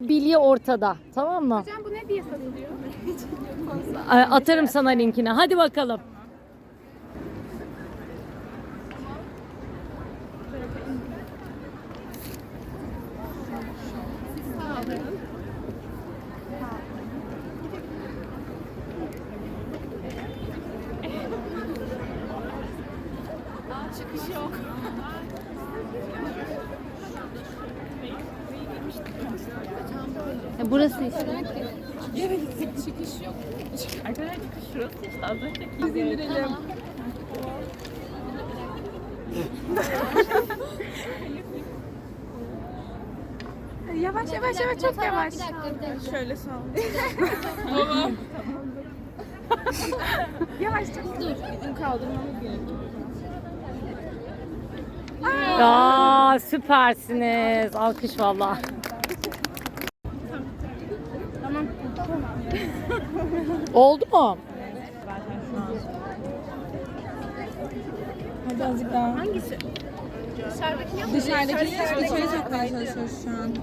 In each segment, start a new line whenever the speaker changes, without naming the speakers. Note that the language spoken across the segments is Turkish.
bilye ortada. Tamam mı?
Hocam bu ne diye satılıyor?
Atarım sana linkini. Hadi bakalım.
Çıkış yok.
Burası işte.
Evet, çıkış yok. Arkadaşlar çıkış şurası işte. Az önce biz indirelim. Yavaş yavaş yavaş çok yavaş. Şöyle sağ ol. Tamam. Yavaş çok. Dur. Bizim kaldırmamız gerekiyor.
Aa, süpersiniz. Alkış valla.
Tamam.
Oldu mu?
Hadi azıcık daha.
Hangisi? Dışarıdaki yok mu?
Dışarıdaki sokmaya çalışıyoruz şu an.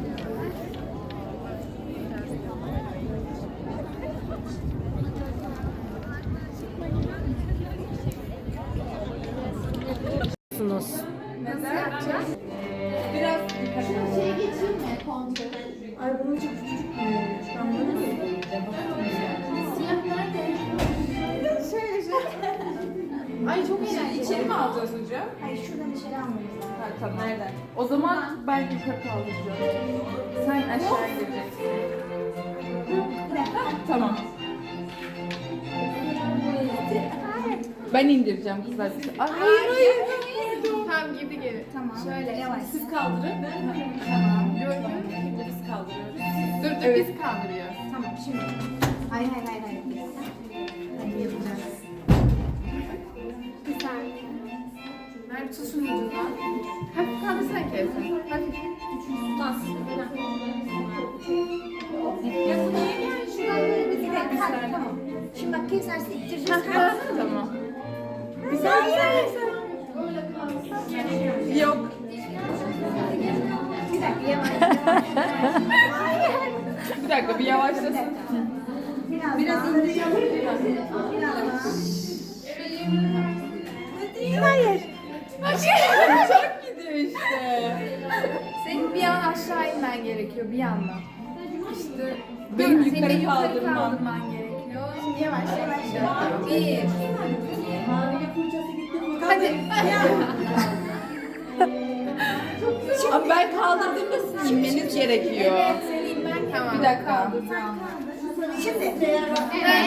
Ay bunun çok küçük büyümüş. Ben bunu mu yiyeceğim?
Ay çok eğlenceli. İçeri mi alacağız hocam?
Hayır şuradan içeri almamız lazım.
Ha, tamam. Nereden? O zaman ben yukarı kaldıracağım. Sen aşağı gireceksin.
Bir dakika.
Tamam. Ben indireceğim kızlar. Hayır. Tamam girdi geri.
Tamam. Şöyle yavaş.
Siz kaldırın.
Tamam.
Şimdi biz kaldırıyoruz. Dur biz kaldırıyoruz.
Tamam şimdi. Hayır. Hadi yapacağız.
Bir saniye. Ver tut şunu ucundan. Hafif kaldırsana Kevser. Hafif. Bas.
Şuradan böyle bir dakika. Tamam. Şimdi bak keserse ittireceğiz.
Tamam.
Bir saniye.
Yok.
Bir dakika yavaş.
Bir dakika bir yavaşlasın.
Biraz indireceğim.
Hayır. Çok gidiyor işte. Senin bir an aşağı inmen gerekiyor bir yandan. İşte benim yukarı kaldırman gerekiyor.
Şimdi yavaş.
Bir. Hadi. Ama ben kaldırdığımda sizin inmeniz gerekiyor.
Senin ben
Tamam. Bir dakika.
Şimdi.